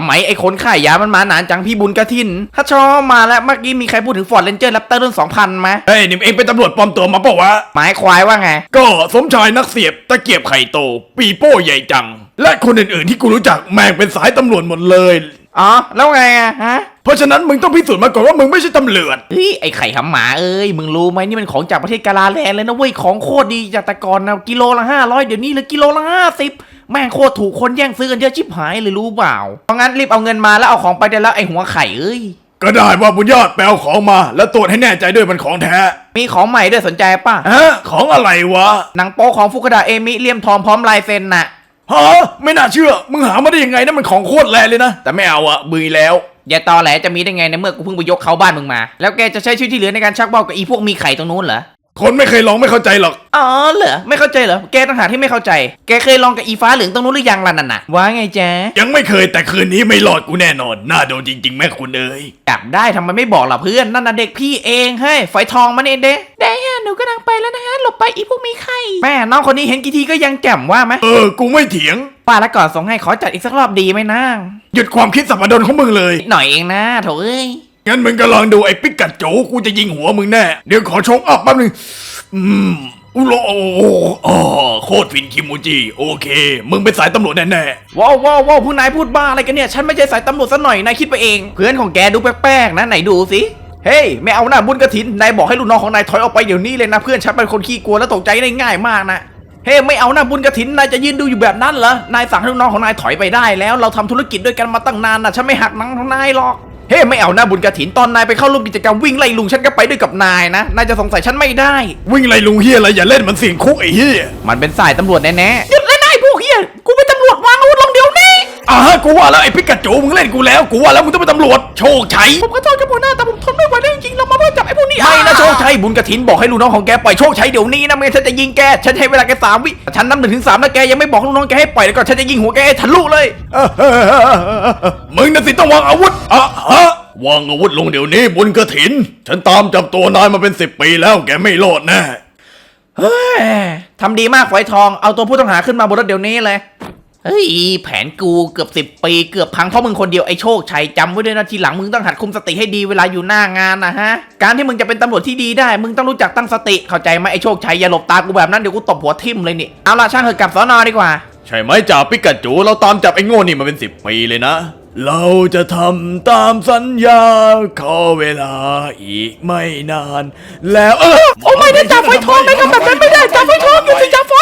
ำไมไอ้คนขายยามันมานานจังพี่บุญกระถินถ้าชอบมาแล้วเมื่อกี้มีใครพูดถึงฟอร์ดเรนเจอร์แรปเตอร์รุ่น 2000ไหมเฮ้ยนี่เองเป็นตำรวจปลอมตัวมาเปล่าวะหมายควายว่าไงก็สมชายนักเสียบตะเกียบไข่โตปีโป้ใหญ่จังและคนอื่นๆที่กูรู้จักแม่งเป็นสายตำรวจหมดเลยอ๋อแล้วไงอะฮะเพราะฉะนั้นมึงต้องพิสูจน์มาก่อนว่ามึงไม่ใช่ตำรวจเฮ้ยไอ้ไข่หำหมาเอ้ยมึงรู้ไหมนี่มันของจากประเทศกาลาแลนด์เลยนะเว้ยของโคตรดีจากแต่ก่อนนะกิโลละ500เดี๋ยวนี้เหลือกิโลละ50แม่งโคตรถูกคนแย่งซื้อกันเยอะชิบหายเลยรู้เปล่าเพราะงั้นรีบเอาเงินมาแล้วเอาของไปได้แล้วไอ้หัวไข่เอ้ยก็ได้ว่าบุญยอดแปลของมาแล้วตรวจให้แน่ใจด้วยมันของแท้มีของใหม่ด้วยสนใจป่ะฮะของอะไรวะหนังโป๊ของฟุกุดะเอมิเลี่ยมทองพร้อมลายเซ็นน่ะฮะไม่น่าเชื่อมึงหามาได้ยังไงนั่นมันของโคตรแรงเลยนะแต่ไม่เอาอะบือแล้วอย่าตอแหลจะมีได้ไงในเมื่อกูเพิ่งไปยกเขาบ้านมึงมาแล้วแกจะใช้ชีวิตที่เหลือในการชักเบ้ากับอีพวกมีไข่ตรงนู้นเหรอคนไม่เคยลองไม่เข้าใจหรอกอ๋อเหรอไม่เข้าใจเหรอแกต่างหากที่ไม่เข้าใจแกเคยลองกับอีฟ้าเหลืองตรงนู้นหรือยังล่ะนั่นน่ะว่าไงแจ๊ยังไม่เคยแต่คืนนี้ไม่รอดกูแน่นอนน่าโดนจริงๆแม่คุณเอ้ยจับได้ทำไมไม่บอกล่ะเพื่อนนั่นน่ะเด็กพี่เองเฮ้ยฝอยทองมันเองเด้ได้ฮะหนูกำลังไปแล้วนะฮะหลบไปอีพวกมีไข่แม่น้องคนนี้เห็นกี่ทีก็ยังแจ่มว่าไหมกูไม่เถียงป้าแล้วก่อนส่งให้ขอจัดอีกสักรอบดีไหมนางหยุดความคิดสับดนของมึงเลยหน่อยเองนะโถเอ้ยงั้นมึงก็ลองดูไอ้ปิกัดโจกูจะยิงหัวมึงแน่เดี๋ยวขอชกอัพแป๊บนึงอุโลโคตรฟินคิมูจิโอเคมึงเป็นสายตำรวจแน่ๆว้าวผู้นายพูดบ้าอะไรกันเนี่ยฉันไม่ใช่สายตำรวจซะหน่อยนายคิดไปเองเพื่อนของแกดูแปลกๆนะไหนดูสิเฮ้ยไม่เอาหน้าบุญกระถินนายบอกให้ลูกน้องของนายถอยออกไปเดี๋ยวนี้เลยนะเพื่อนฉันเป็นคนขี้กลัวและตกใจได้ง่ายมากนะเฮ้ไม่เอาหน้าบุญกระถินนายจะยืนดูอยู่แบบนั้นเหรอนายสั่งให้ลูกน้องของนายถอยไปได้แล้วเราทำธุรกิจด้วยกันมาตั้งนานนะฉันไม่หักหนังของนายหรอกเฮ้ไม่เอาหน้าบุญกระถินตอนนายไปเข้าร่วมกิจกรรมวิ่งไล่ลุงฉันก็ไปด้วยกับนายนะนายจะสงสัยฉันไม่ได้วิ่งไล่ลุงเฮียอะไรอย่าเล่นมันเสี่ยงคุกไอ้เฮียมันเป็นสายตำรวจแน่ๆหยุดเลยนายพวกเฮียกูเป็นตำรวจวางอาวุธลงเดี๋ยวนี้กูว่าแล้วไอ้พิกัดโจมึงเล่นกูแล้วกูว่าแล้วมึงต้องเป็นตำรวจโชคชัยผมขอโทษกับหัวหน้าแต่ผมทนไม่ไหวแล้วจริงๆเรามาเพื่อจับไอ้พวกนี้ไม่นะโชคชัยบุญกระถินบอกให้ลูกน้องของแกปล่อยโชคชัยเดี๋ยวนี้นะไม่งั้นฉันจะยิงแกฉันให้เวลาแก3 วิฉันนับ1 ถึง 3แล้วแกยังไม่บอกลูกน้องแกให้ปล่อยแล้วก็ฉันจะยิงหัวแกให้ทะลุเลยมึงน่ะสิต้องวางอาวุธวางอาวุธลงเดี๋ยวนี้บุญกระถินฉันตามจับตัวนายมาเป็น10 ปีแล้วแกไม่รอดแน่เฮ้ยทำดีมากฝอยทองเอาตัวผู้ต้องหาขึ้นมาบนรถเดี๋ยวนี้เลยเฮ้ยแผนกูเกือบ10 ปีเกือบพังเพราะมึงคนเดียวไอ้โชคชัยจำไว้ด้วยนะทีหลังมึงต้องหัดคุมสติให้ดีเวลาอยู่หน้างานนะฮะการที่มึงจะเป็นตำรวจที่ดีได้มึงต้องรู้จักตั้งสติเข้าใจไหมไอ้โชคชัยอย่าหลบตากูแบบนั้นเดี๋ยวกูตบหัวทิ่มเลยนี่เอาล่ะช่างเถอะกลับสน.ดีกว่าใช่ไหมจ่าปิกัดจูเราตามจับไอ้โง่นี่มาเป็น10 ปีเลยนะเราจะทำตามสัญญาขอเวลาอีกไม่นานแล้วโอ้ไม่ได้จ่าไฟทองไม่ทำแบบนั้นไม่ได้จ่าไฟทองอยู่ที่จ่าไฟ